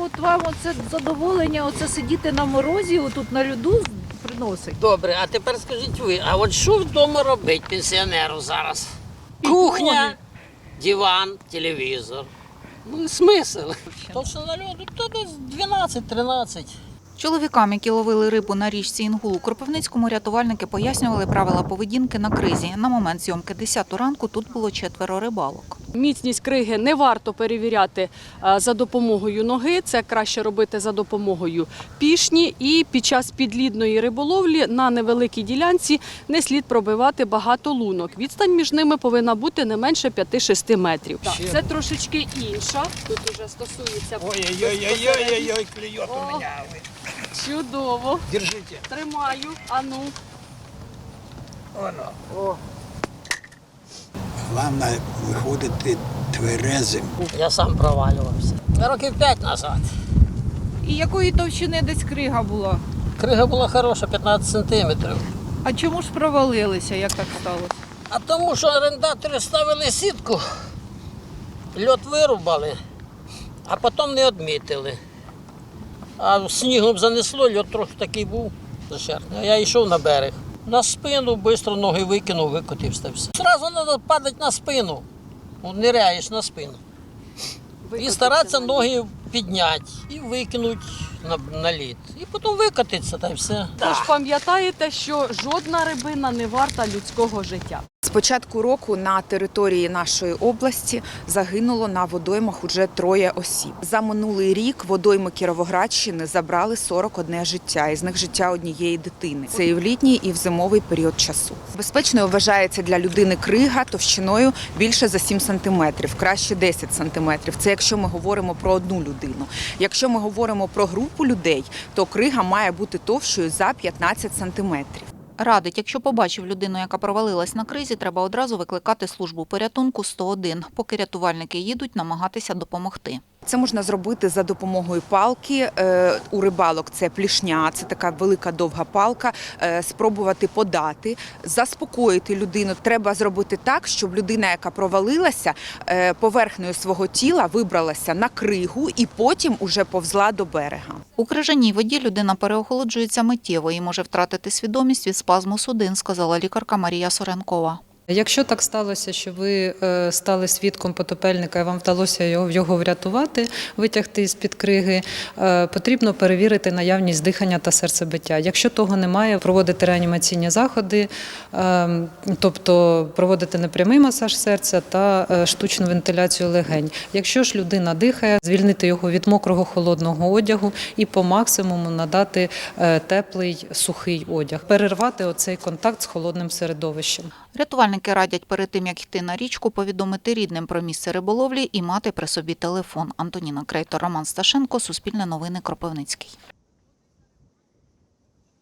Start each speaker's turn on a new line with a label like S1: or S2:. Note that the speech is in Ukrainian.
S1: от вам оце задоволення, оце сидіти на морозі, отут на льоду приносить?
S2: Добре, а тепер скажіть ви, а от що вдома робить пенсіонеру зараз? Кухня, диван, телевізор. Ну, смисл. То, що на льоду, то десь 12-13.
S3: Чоловікам, які ловили рибу на річці Інгул у Кропивницькому, рятувальники пояснювали правила поведінки на кризі. На момент зйомки 10 ранку тут було 4 рибалок.
S4: Міцність криги не варто перевіряти за допомогою ноги, це краще робити за допомогою пішні. І під час підлідної риболовлі на невеликій ділянці не слід пробивати багато лунок. Відстань між ними повинна бути не менше 5-6 метрів. Це трошечки інша, тут вже стосується…
S5: Ой-ой-ой, клюет у меня.
S4: Чудово.
S5: Держите.
S4: Тримаю, ану.
S5: Оно. Главное виходити тверезим.
S2: Я сам провалювався. Років 5 назад.
S1: І якої товщини десь крига була?
S2: Крига була хороша, 15 сантиметрів.
S1: А чому ж провалилися, як так сталося?
S2: А тому, що орендатори ставили сітку, льот вирубали, а потім не відмітили. А снігом занесло, льот трохи такий був зашерхний. А я йшов на берег. На спину, швидко ноги викинув, викотився все. Зразу треба падати на спину. Ниряєш на спину. І старатися ноги підняти і викинути на лід. І потім викотитися, та й все.
S4: Тож пам'ятаєте, що жодна рибина не варта людського життя.
S6: З початку року на території нашої області загинуло на водоймах уже 3 осіб. За минулий рік водойми Кіровоградщини забрали 41 життя, із них життя однієї дитини. Це і в літній, і в зимовий період часу. Безпечною вважається для людини крига товщиною більше за 7 сантиметрів, краще 10 сантиметрів. Це якщо ми говоримо про одну людину. Якщо ми говоримо про групу людей, то крига має бути товщою за 15 сантиметрів.
S3: Радить, якщо побачив людину, яка провалилась на кризі, треба одразу викликати службу порятунку 101. Поки рятувальники їдуть, намагатися допомогти.
S6: Це можна зробити за допомогою палки. У рибалок це плішня, це така велика довга палка. Спробувати подати, заспокоїти людину. Треба зробити так, щоб людина, яка провалилася, поверхнею свого тіла вибралася на кригу і потім уже повзла до берега.
S3: У крижаній воді людина переохолоджується миттєво і може втратити свідомість від спазму судин, сказала лікарка Марія Соренкова.
S7: Якщо так сталося, що ви стали свідком потопельника і вам вдалося його врятувати, витягти з-під криги, потрібно перевірити наявність дихання та серцебиття. Якщо того немає, проводити реанімаційні заходи, тобто проводити непрямий масаж серця та штучну вентиляцію легень. Якщо ж людина дихає, звільнити його від мокрого холодного одягу і по максимуму надати теплий сухий одяг. Перервати оцей контакт з холодним середовищем.
S3: Рятувальники радять перед тим, як йти на річку, повідомити рідним про місце риболовлі і мати при собі телефон. Антоніна Крейтор, Роман Сташенко, Суспільне новини, Кропивницький.